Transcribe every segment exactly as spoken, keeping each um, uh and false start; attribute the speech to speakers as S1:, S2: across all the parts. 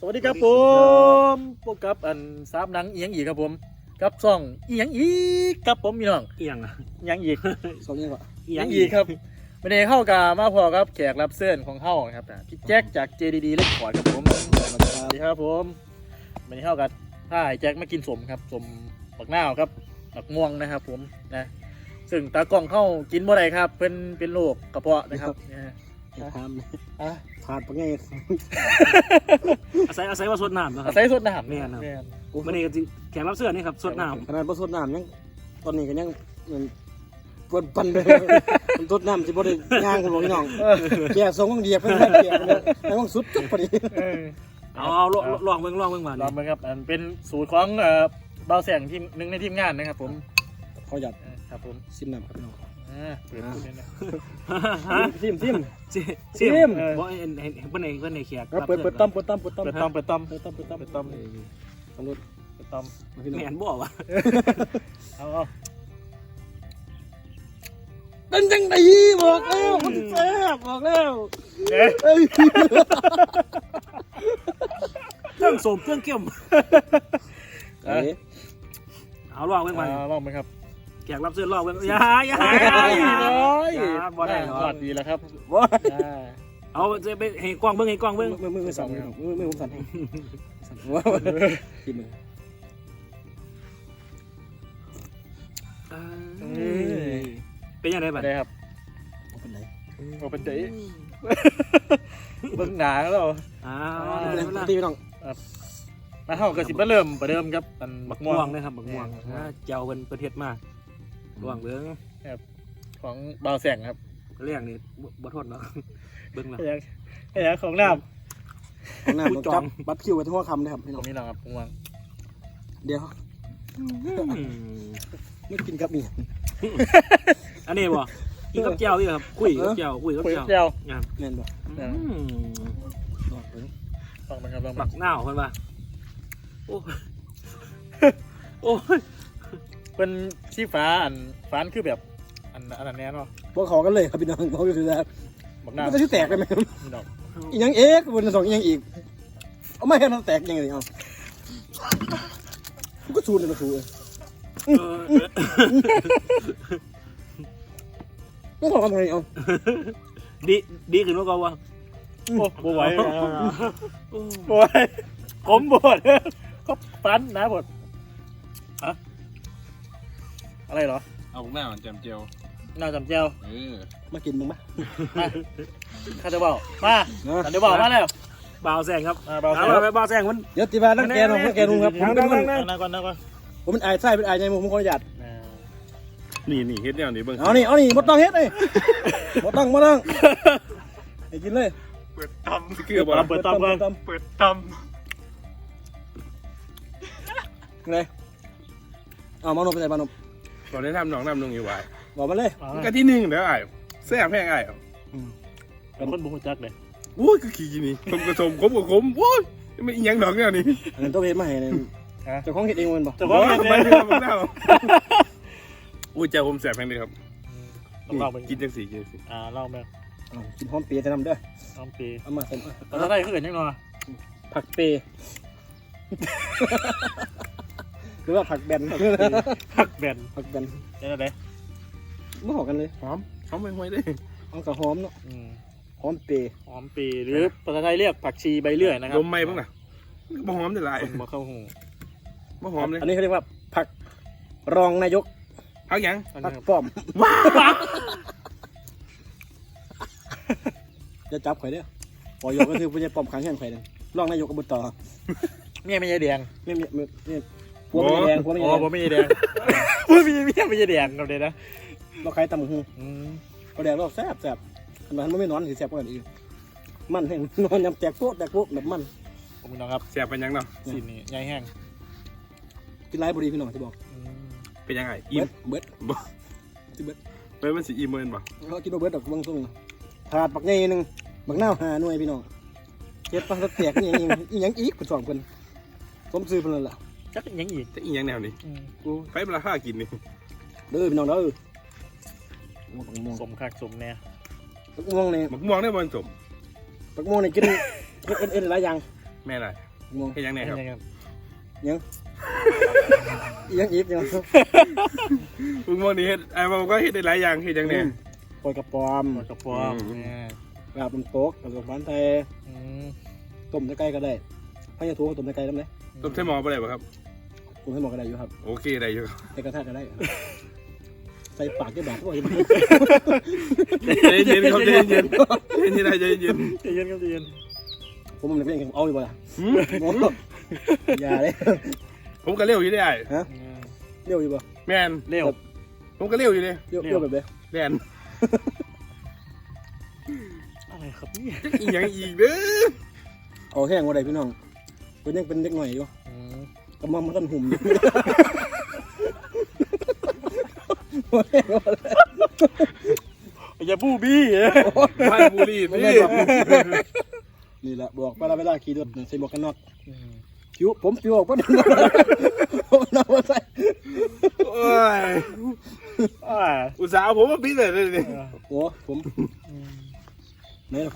S1: สวัสดีครับผมพบกับอันสามหนังเอียงอีกครับผมกับซ่องเอียงอีกครับผมพี่น้อง
S2: เอียงอ่ะ
S1: เอียงอีก
S3: สองนี้ก่อน
S2: เอี
S1: เอี
S2: ย
S1: ย
S2: ง
S1: ง
S2: อี
S1: อี
S2: ก
S1: กครับวันนี้เข้ากับมาพอครับแขกรับเชิญของเข้าครับพี่แจ็คจาก เจ ดี ดี เลคคอร์ดครับผมสวัสดีครับผมวันนี้เข้ากับถ้าไอ้แจ็คมากินสมครับสมบักนาวครับบักม่วงนะครับผมนะซึ่งตากล้องเข้ากินบ่ได้ครับเป็นเป็นโรคกระเพาะนะครับนะฮะ
S3: อย่าทำนะ
S1: อ่ะ
S3: ขาดปะไง
S2: อาศัยอาศัยว่าสดน้ำนะครั
S1: อา
S2: บ
S1: ศัยสดน้ำ
S2: แม่นครับ
S1: แม่น
S2: วันนี้ก็จริงแขกรับเชิญนี่ครับสดน้
S3: ขนาดผสดน้ำยังตอนนี้ก็ยังเหมือนปวดปันเลยมันตดน้ำจะบ่ได้ย่างกันบ่พี่น้องแก่ทรงต้องเดียบเพิ่นให้แก่กันเลยให้ต้องสุดจุดพอดี
S1: เออ
S2: ำเอาเอาลองลองเบิ่งลองเบิ่งมา
S1: ลองมาครับอันเป็นสูตรของเอ่อเบาแสงทีมหนึ่งในทีมงานนะครับผม
S3: ขอหยัด
S1: เออครับผม
S3: ซิมน้ำครับพี่น้อง
S1: อ่าเปิดดูเนี่ยนะ
S2: ฮะ
S3: ซิมซิม
S2: ซิ
S3: ซิม
S2: เออบ่เห็นเห็นเพิ่นเองเพิ่นเองแขก
S3: เปิดเปิดต้อมเปิดต้อมเปิดต้อม
S1: เปิดต้อมเปิดต้อม
S3: เปิดต้อมเปิดต้อม
S1: เปิดต้อม
S3: สำรวจ
S1: เปิดต้อม
S3: มาพี่น้อง
S2: แม่นบ่วะ
S1: เอาเอา
S3: เป็นจังไดบอกแล้วมันแซ่บบอกแล้ว
S1: เอ๊ะ
S3: เอ้ย
S2: เครื่องสมเครื่องเกี่ยม
S3: เอ้ย
S2: เอาลองเบิ่งมา
S1: เอาลองไหมครับ
S2: แขกรับเชิญลองเบิ่งอย่าอย่า
S1: ไอ้
S2: อย่า
S1: น้อย
S2: อย่าบ่ได้หรอ
S1: สวัสดีแล้วครับ
S3: ว่า
S1: อ่า
S2: เอาจะไปให้กล้องเบิ่งให้กล้อง
S3: มื
S2: เบิ่
S3: อง มือมือมือสั่นมือมือผมสั่นให้สั่นว่ากินมือ
S2: เป็นยังไงบัด
S1: ได้ครับ
S3: เป็นไร
S1: โอเป็นเจ๊เบิ้งหนาแล้ว
S2: อ้า
S3: เป็น
S2: ว
S3: ไรตีพี่น้อง
S1: มาเข้ากระสิบมาเริ่มประเดิมครับอัน
S2: บั
S1: บั
S2: ก
S1: ก
S2: ม่
S1: ม่
S2: ว
S1: ว
S2: ง
S1: ง
S2: นะครับบักม่วงเจ้าเป็นประเทศมากลองเบิ่ง
S1: ของเบาแสงครับ
S2: เรื่องนี้บ่ทนเนาะเบิ่ง
S1: ไอ้
S2: นะ
S1: ยังไอ้ยังของน้
S3: หน้าผมจับบัตรคิวไว้ที่หัวคำนะครับพี่
S1: ำ
S3: น้
S1: ข
S3: อ
S1: อง งนี่นะครับม่วง
S3: เดี๋ยวไม่กินกับนี่
S2: อันนี้บ่กินกับเจ้าดิครับคุยกับเจ้าคุยกับ
S1: คุย
S2: เจ้า
S1: เจียว
S2: งาม
S3: แม่นบ่
S2: อืม
S3: บอกเลย
S1: ฟังมันครับลอง
S2: บั
S1: มาก
S2: หน้าวเพิ่นว่าโอ้โอ้ย
S1: เป็นสีฟ้าอันฟ้านคือแบบอันอันนั้นแน่เนาะ
S3: บอกขอกันเลยครับพี่น้องบอกอยู่คือแบบ
S1: บักหน้า
S3: มันจะชื่อแตกเลยไหม
S1: นี่ดอก
S3: อีกยังเอ๊กบนสองอีกยังอีกเอาไม่ให้มันแตกยังไงเอาก็ชูนเลยก็ชูเลย
S2: เออ
S3: ไม่ขอกันเลยเอา
S2: ดีดีขึ้นกว่าเก่าวะ
S1: โอ้บไหว
S2: โอ้
S1: บไหวผมบดเขาฟันนะบดอะอะไรเหรอ
S4: เอาพวกหน้ามันแจมเจียว
S1: น่าจำเจียว
S4: เออ
S3: มากินมึงไหม
S1: มาข้าจะบอกมาข้าจะบอกมาแล้ว
S2: บ่าวแซงครับ
S1: มาเบา
S2: เอา
S1: แสง
S2: ไปบ่าวแซงมัน
S3: เดี๋ยวตีบาตั้งแกนตั้งแกนลุงครับผมเป็นคน
S1: นั่งก่อนนั่งก่อน
S3: ผมเป็นไอ้ไส้เป็นไอ้ใหญ่ผมขออนุญาต
S4: นี่นี่เฮ็ดแนวนี้เบิ่ง
S3: เอานี่เอานี่บ่ต้องเฮ็ดเลยบ่ต้องบ่ต้องให้กินเลย
S4: เปิดตำคือบ่
S1: เปิดตอมก่อน
S4: เปิดต
S3: ไงเอามานมไปใส่มานม
S4: ำตอนนี้ทำหนองน้ำนงอยู่ไว้
S3: บอกมาเลย
S4: มันก็ที่หนึ่งเด้อไอ้แซ่บแห้งไอ้
S1: เป็นคนบุกจักเลย
S4: โอ้ยก็ขี้นี่ผมก็ชมผมก็ขมโอ้ยไม่อีหยังดอกแนวนี้
S3: อันนั้นต้องเฮ็ดมาให้เนี่ยเจ้าของเฮ็ดเองมันบ่
S1: แต่
S4: บ่
S1: ว่า
S4: ทำไมไม่ทำหน้าโอ้ยเจ้าผมแซ่บแห้งเลยครับ
S1: ต้องลองเป็น
S4: กินจังสีกินจังสี
S1: อ่าลองแบบ
S3: เอากินหอมเปียจะนำเด้อ
S1: ลองปี
S3: เอามาใส่มา
S1: แต่ถ้าได้ขึ้นยังไง
S3: ผักเปยหรือว่าผักแบน
S1: ผักแบน
S3: ผักแบน
S1: ได้ไหม
S3: ไม่หอกันเลย
S4: หอมหอมไม่ห่วยเลย
S3: เอากับหอมเนาะหอมเปย
S1: หอมปีหรือภาษาไทยเรียกผักชีใบเลื่อยนะครับ
S4: ลมไหม้บ้างล่ะบ่หอมได้หลาย
S1: คนมาเข้าหู
S4: บ่หอมเลย
S3: อันนี้เขาเรียกว่าผักรองนายก
S4: พักหยัง
S3: ผักป้อมจะจับข่อยเด้อปอยกก็คือผู้ใหญ่ป้อมขังแห่งข่อยเด้อรองนายกอบต
S1: เมียไม่ใช่แดง
S3: ไม่มีไม่ไม่พวกไม่แดงพวกไม่
S1: อ๋
S3: แด
S1: อง ผมไม่ใช่แดงพูดไม่ใช่เมียไม่ใช่แดงเราเลยนะ
S3: เราใครตำหู
S1: อืม
S3: เขาแดงเราแซ่บแซ่บขนาดมันไม่นอนสิแซ่บกว่าอีกมันแห้งนอนยำแตกโป๊ะแตกโป๊ะแบบมัน
S1: ผมพี่น้องครับ
S4: แซ่บเป็นหยังเนาะ
S1: สีนี่ใหญ่แห้ง
S3: กินไรบุรีพี่น้องจะบอก
S4: เป็นยังไง
S3: เบิ
S4: อิ่ม
S3: ดเบิด
S4: บ่
S3: สิเบิด
S4: เฮ้ยมันสิอิ่มเมินบ่
S3: เรากินเบิดดอกบางส่งถาดปักใหญ่หนึ่งบักหน้าวหาหน่วยพี่น้องเจ็ดปังแตกนี่ยังอีหยังอีกคนสองคนสมซื้อเพิ่นนั่นล่ะ
S1: จักยังอีก
S4: แต่อีหยังแนวนี้กูไปเวลาห้ากินนี่
S3: เด้อพี่น้องเด้อปักม่วง
S1: สมคักสมแน่
S3: ปักม่วงนี่
S4: มักม่วงได้บ่สม
S3: ปักม่วงนี่กินเอ็ดเอ็ดเอ็ดหลายอย่าง
S4: แม่ไร
S3: ม่วง
S4: เฮ็ดยังไงครับ
S1: ครับ
S3: ยังยังอีกยัง
S4: มึงมองนี่เฮ็ดไอ้มันก็เฮ็ดได้หลายอย่างเฮ็ดยังไง
S3: ปล่อยกระป๋อม
S1: หมดกระป๋อม
S4: อืม
S1: เนี่ย
S3: ลาบมันโต๊ะผสมพันธุ์ไทย
S1: อืม
S3: ต้มใกล้ๆก็ได้พะยาทูต้มใกล้ๆได้ไหม
S4: ต้มใส่หม้อบ่ได้บ่ครับ
S3: ต้มให้หมดก็ได้อยู่ครับ
S4: โอเคได้อยู่
S3: ใส่กระทะก็ได้ครับใส่ปากที่บาดก็ยัง
S4: ใจเย็นครับใจเย็นใจเย็นใจเย็น
S1: ใจเย็นครับใจเย็น
S3: ผมมันเป็นเอาอยู่บ่ล่ะ
S4: หืม
S3: อย่าเลย
S4: ผมก็เร็วอยู่ได้
S3: ฮะเลี้ยวอยู่บ่
S4: แม่น
S1: เร็ว
S4: ผมก็เร็วอยู่เด้
S3: เลี้ยวเลี้ยวแบบเด้
S4: แม่น
S1: อะไรครับนี่
S4: อีหยังอีกเด้อ
S3: เอาแห้งบ่ได้พี่น้องเพิ่นยังเป็นเด็กหน่อยอยู่
S1: อืม
S3: กำมังมันกันหุ่มอยู่
S1: อย่าบู้บี้
S4: บ้านบุรี
S3: ไม่
S4: นี่
S3: ได้บอกนี่แหละบอกเวลาเวลาขี่รถใส่หมวกกันน็อกคิ้วผมคิ้วออกก็ดึงผมนำมาใส่
S4: โอ้ย
S1: อ่า
S4: อุตส่าห์ผมมาปิดเลยนี่
S3: โอ้ผมไหนล่ะผม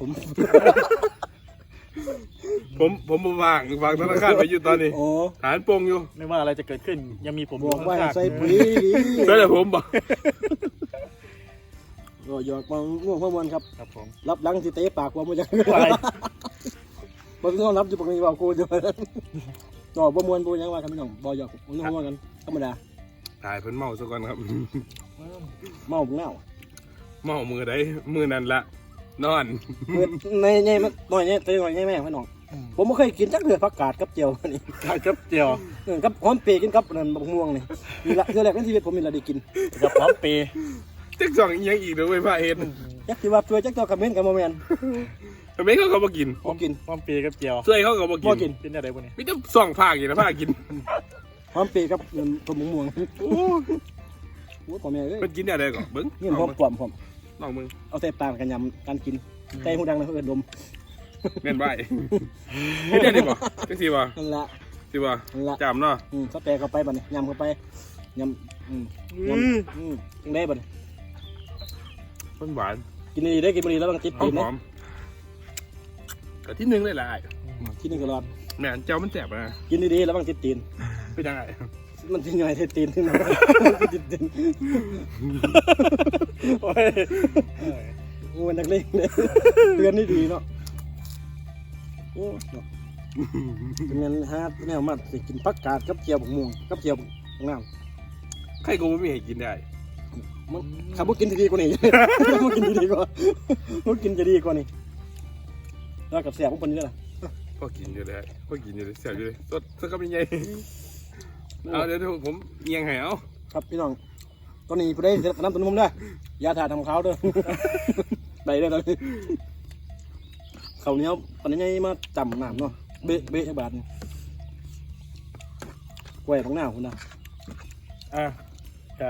S4: ผมผมบ่ว่างฝากธนาคารไปอยู่ตอนนี้
S3: โอ้
S4: ฐานปงอยู่
S1: ไม่ว่าอะไรจะเกิดขึ้น ยังมีผม
S3: บอกว่า
S1: ข้างๆ
S3: ใส่ปุ๋ยดี
S4: ใช่แต่ผมบอก
S3: ก็หยอกมาง่วงพ่อมวนครับ
S1: ครับผม
S3: รับหลังที่เตะปากว่ามันจะ
S1: อะไร
S3: บ่ต้องรับอยู่ปกติว่ากูจะก็บ่มวนบ่ยังว่ากันพี่น้องบ่หยอกบ่ต้องว่ากันธรรมดา
S4: ถ่ายเพิ่นเมาซะก่อนครับ
S3: เมาเงา
S4: เมามือใดมือนั่นละนอน
S3: เมื่อในในมันหน่อยเนี่ยเตะหน่อยแม่พี่น้องผมบ่เคยกินจักเดือผักกาดกับเจียวนี่
S1: ข้าวเจียว
S3: เออกับหอมเปรย์กินกับนั่นบักม่วงนี่นี่ละเทื่อแรกในชีวิตผมมีละได้กิน
S1: กับพร้อมเปย์
S4: จักสองอีหยังอีกเด้อเว้ยพระเฮ็ด
S3: จักสิว่าช่วยจักตัวกับเม่นกับบ่แม่น
S4: ทำไมเขาก็บ่กิน
S3: บ่กิน
S1: พร้อมเปย์กับเจียว
S4: ช่วยเขาก็บ่
S3: บ่กิ
S4: กิน
S3: น
S1: เป็นอะไรพวกนี้
S4: มีแต่สองภาคอยู่นะภาคกิน
S3: หอมเปรย์กับนั่นตัวม่วง
S4: โอ้
S3: โอ้พ่อแม่เอ้ย
S4: มันกินอะไรก่อนเบิ่ง
S3: นี่หอมปลอมผม
S4: ลองมึง
S3: เอาใส่ปากกันยำกันกินใส่หูดังนะเพื่อนดม
S4: แม่นบ่ายเฮ็ดได้ดิบ่จังซี่บ่
S3: นั่นละ
S4: สิบ่
S3: นั่นละ
S4: จำเนาะ
S3: อืมสเปรย์เข้าไปบัดนี้ยำเข้าไปยำอืมยำอืมจังได้บัดนี้
S4: เพิ่นหวาน
S3: กินดีๆได้กินดีๆแล้วบางติด
S4: หอ
S3: ตี
S4: ม
S3: น
S4: ห
S3: นะ
S4: อมแต่ที่หนึงเลยล่ะ
S3: ที่นึงก็รอด
S4: แม่นเจ้ามันแสบนะ
S3: กินดีๆแล้วบางติดตีน
S4: เป็นยังไง
S3: มันทิ้งย่อยติดตีนขึ้นมาติดตีน
S1: โอ้ย
S3: งูนักเลงเลยเตือนนี่ดีเนาะโอ้เนาะเป็นเงินฮะแนวมาสิกินผักกาดกับเจียวบักม่วงกับเจียวบักน้ำ
S4: ใครก็บ่มีให้กินได้
S3: มันขับรถกินดีๆกว่านี้ มันกินดีๆกว่ามันกินจะดีกว่านี้แล้วกับเสียของคนนี้ล่ะ
S4: พอกินอยู่เลยพอกินอยู่เลยแสบอยู่เลยสดสดกับยังไงเอาเดี๋ยวผมเอียงให้เอา
S3: ครับพี่น้องตอนนี้ผู้ใดเสร็จน้ำตุนมุมเด้อยาถ่าทำเขาวเด้อ ได้เด้อตอนนี้เขาวเหนี้ยวตอนนี้ยังมาจำน้ำเนาะเบะเบะบาทนี่กล้วยของหน้าคุณนะ
S1: อ่ะกับ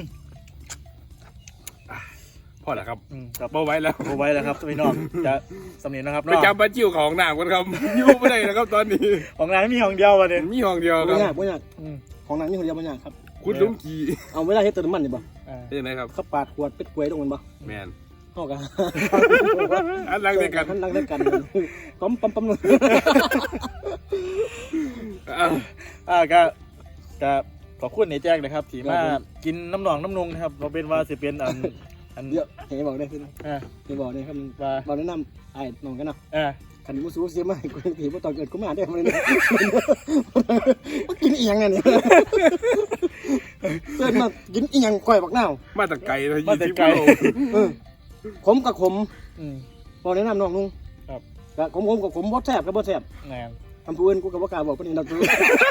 S4: พอแล้วครับ
S1: อืมกับ
S4: เบาไว้แล้ว
S1: โบไว้แล้วครับพี่น้องจะสำเนียงนะครับ
S4: ไป
S1: เนาะ
S4: จำปลาจิ้วของหนามกันครับ อยู่ไม่ได้นะครับตอนนี้
S1: ของนายไม่มีของเดียววันนี้
S4: มีห้องเดียวค
S3: ไม่
S4: รับ
S3: ยากไม่ยาก
S1: อืม
S3: ของนางนี่คนเดียวไม่ยากครับ
S4: คุณลุงกี
S3: เอาเวลาเฮ็ดเติมน้ำมันนี่บ่
S1: อ่า
S4: เป็นยังไงครับ
S3: เขาปาดขวดเป็ดกล้วยตรงมันบ่
S4: แมน
S3: เฮากัน
S4: อันรังเดียวกัน
S3: อันรังเดียวกันปั๊มปั๊มปั๊ม
S4: อ่ะ
S1: อ่าก็ก็ขอบคุณไอ้แจ้งนะครับที่มากินน้ำหนองน้ำนงนะครับเราเป็นว่าสิเป็นอันอัน
S3: เดี๋ยวให้บอกได้ขึ้น
S1: อ่า
S3: ให้บอกได้ครับ
S1: ว่า
S3: บอกแนะนำไอ้น้องกันเนาะ
S1: อ่า
S3: ขันมุสูเสียมาให้กูถีบว่าตอนเกิดกูมาได้มาเลยนะว่ากินอีหยังไงเนี่ยเกิดมากินอีหยังก้อยบักนาว
S4: มาตะไกลเลย
S1: มา
S4: ยี่
S1: แต่
S4: สิบ
S1: ไกล
S4: โล
S3: เออขมกับขม
S1: อืม
S3: บอกแนะนำน้องนุ่ง
S1: ครับ
S3: กับขมขมกับขมบ่แซ่บกับบ่แซ่บ
S1: งาน
S3: ทำผู้อื่นกูกับว่ากล้าบอกปานนี้เราตัว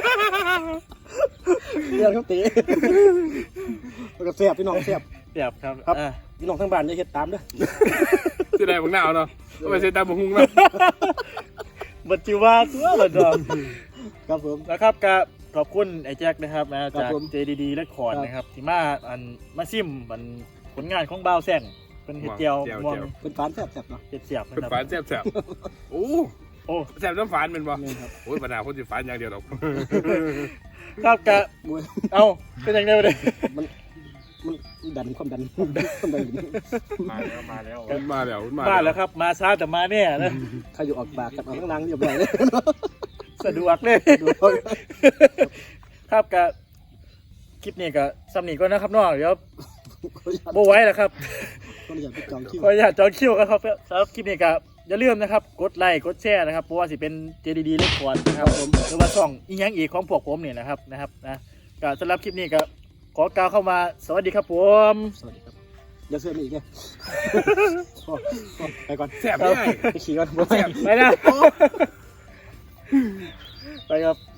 S3: เรื่องเขาตีแล้วก็แซ่บพี่น้องแซ่บ
S1: เสียบครับ
S3: ครับ
S1: อ่า
S3: พี่น้องทั้งบ้านอย่าเฮ็ดตามเด้อ
S4: ที่ไหนบางหนาวเนาะเอาไปเซ็นตามบุ้งนะ
S1: บัจจิวาตัวบัดดอม
S3: ครับผม
S1: นะครับก็ขอบคุณไอ้แจ็คนะครับนะ
S3: ครั
S1: จา
S3: บ
S1: ก
S3: ผม
S1: เจดีดีและคอร์ด
S3: ครับ
S1: นะครับที่มาอันมาซิมมันผลงานของบ่าวแซงเป็นเห็ดเจียวมอง
S3: เป็นฝานแซ่บแซ่บเนาะ
S1: เห็ดเสียบนะ
S4: เป็น
S1: ครับ
S4: ฝานแสบแสบโอ้
S1: โอ้
S4: แสบน้ำฝานเป็นบ่
S3: นี่ครับ
S4: โอ้ยปัญหาคนสิฝานอย่างเดียวหรอก
S1: ครับกะ
S3: มวย
S1: เอาเป็นยังไงไปเลย
S3: มันมันดันความดันความดัน
S1: มาแล้วมาแล้ว
S4: มาแล้วมา
S1: มาแล้วครับมาช้าแต่มาแน่นะ
S3: ใครอยู่ออกปากกับเอาข้างล่างเรียบร้อยเลย
S1: สะดวกเลย
S3: ดู
S1: ครับกับคลิปนี้ก็ซ้ำนี้ก็นะครับน้องเดี๋ยว
S3: ขออนุญาต
S1: โบไว้แล้วครับ
S3: ขออนุญาตไปจองคิว
S1: ขออนุญาตจองคิวกันครับสำหรับคลิปนี้ก็อย่าลืมนะครับกดไลค์กดแชร์นะครับเพราะว่าสิเป็น เจ ดี ดี เลคคอร์ดนะครับผมหรือว่าช่องอีหยังอีกของพวกผมเนี่ยนะครับนะครับนะก็สำหรับคลิปนี้ก็ขอกล่าวเข้ามาสวัสดีครับผม
S3: สวัสดีครับอย่าเสื้อมีอีกไงพอพอไปก่อน
S4: แซ่บไม่ได้
S3: ไปขี่ก่อน
S4: แซ่บ
S1: ไปนะไปครับ